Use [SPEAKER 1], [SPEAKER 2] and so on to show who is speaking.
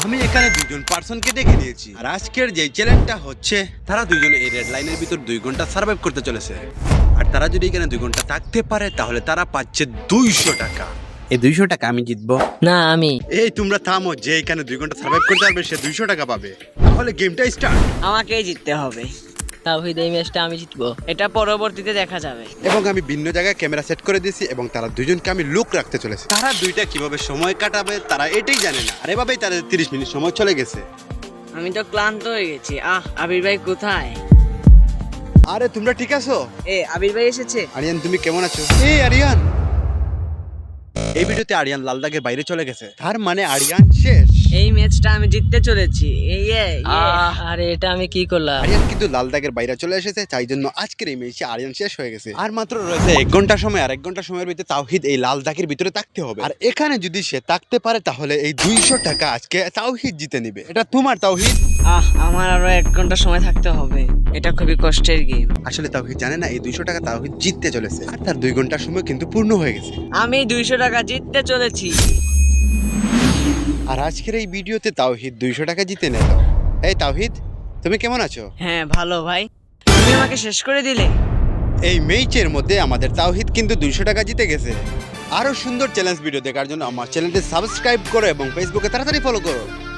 [SPEAKER 1] আমি এখানে দুজন পার্সনকে ডেকে নিয়েছি আর আজকের যে চ্যালেঞ্জটা হচ্ছে তারা দুইজনে এই রেড লাইনের ভিতর 2 ঘন্টা সার্ভাইভ করতে চলেছে। আর তারা যদি এখানে 2 ঘন্টা থাকতে পারে তাহলে তারা পাচ্ছে 200 টাকা। এই 200 টাকা আমি জিতবো।
[SPEAKER 2] না আমি।
[SPEAKER 1] এই তোমরা থামো, যে এখানে 2 ঘন্টা সার্ভাইভ করতে পারবে সে 200 টাকা পাবে। তাহলে গেমটা স্টার্ট।
[SPEAKER 3] আমাকেই জিততে হবে।
[SPEAKER 2] তাওহিদ এই ম্যাচটা আমি জিতবো।
[SPEAKER 3] এটা পরবর্তীতে দেখা যাবে।
[SPEAKER 1] এবং আমি ভিন্ন জায়গায় ক্যামেরা সেট করে দিয়েছি এবং তারা দুজনকে আমি লুক রাখতে চলেছে। তারা দুইটা কিভাবে সময় কাটাবে তারা এটাই জানে না। আর এভাবেই তাদের 30 মিনিট সময় চলে গেছে।
[SPEAKER 3] আমি তো ক্লান্ত হয়ে গেছি। আবির ভাই কোথায়?
[SPEAKER 1] আরে তোমরা ঠিক আছো?
[SPEAKER 3] আবির ভাই এসেছে।
[SPEAKER 1] আরিয়ান তুমি কেমন আছো? এই আরিয়ান, এই ভিডিওতে আরিয়ান লাল দাগের বাইরে চলে গেছে, তার মানে আরিয়ান শেষ।
[SPEAKER 3] এই ম্যাচটা আমি জিততে চলেছি।
[SPEAKER 2] আরে এটা আমি কি করলাম?
[SPEAKER 1] আরিয়ান কিন্তু লাল দাগের বাইরে চলে এসেছে, তাই জন্য আজকের এই ম্যাচে আরিয়ান শেষ হয়ে গেছে। আর মাত্র রয়েছে 1 ঘন্টা সময়। আর 1 ঘন্টা সময়ের ভিতরে তাওহিদ এই লাল দাগের ভিতরে থাকতে হবে। আর এখানে যদি সে থাকতে পারে তাহলে এই 200 টাকা আজকে তাওহিদ জিতে নিবে। এটা তোমার তাওহিদ।
[SPEAKER 3] আমার আরো 1 ঘন্টা সময় থাকতে হবে। এটা খুবই কষ্টের গেম।
[SPEAKER 1] আসলে তাওহিদ জানে না এই 200 টাকা তাওহিদ জিততে চলেছে। আর তার 2 ঘন্টার সময় কিন্তু পূর্ণ হয়ে গেছে।
[SPEAKER 3] আমি 200 টাকা জিততে চলেছি।
[SPEAKER 1] আর আজকের এই ভিডিওতে তাওহিদ 200 টাকা জিতে নিল। এই তাওহিদ তুমি কেমন আছো?
[SPEAKER 3] হ্যাঁ ভালো ভাই। তুমি আমাকে শেষ করে দিলে।
[SPEAKER 1] এই ম্যাচের মধ্যে আমাদের তাওহিদ কিন্তু 200 টাকা জিতে গেছে। আরো সুন্দর চ্যালেঞ্জ ভিডিও দেখার জন্য আমার চ্যানেলটি সাবস্ক্রাইব করো এবং ফেসবুকে তাড়াতাড়ি ফলো করো।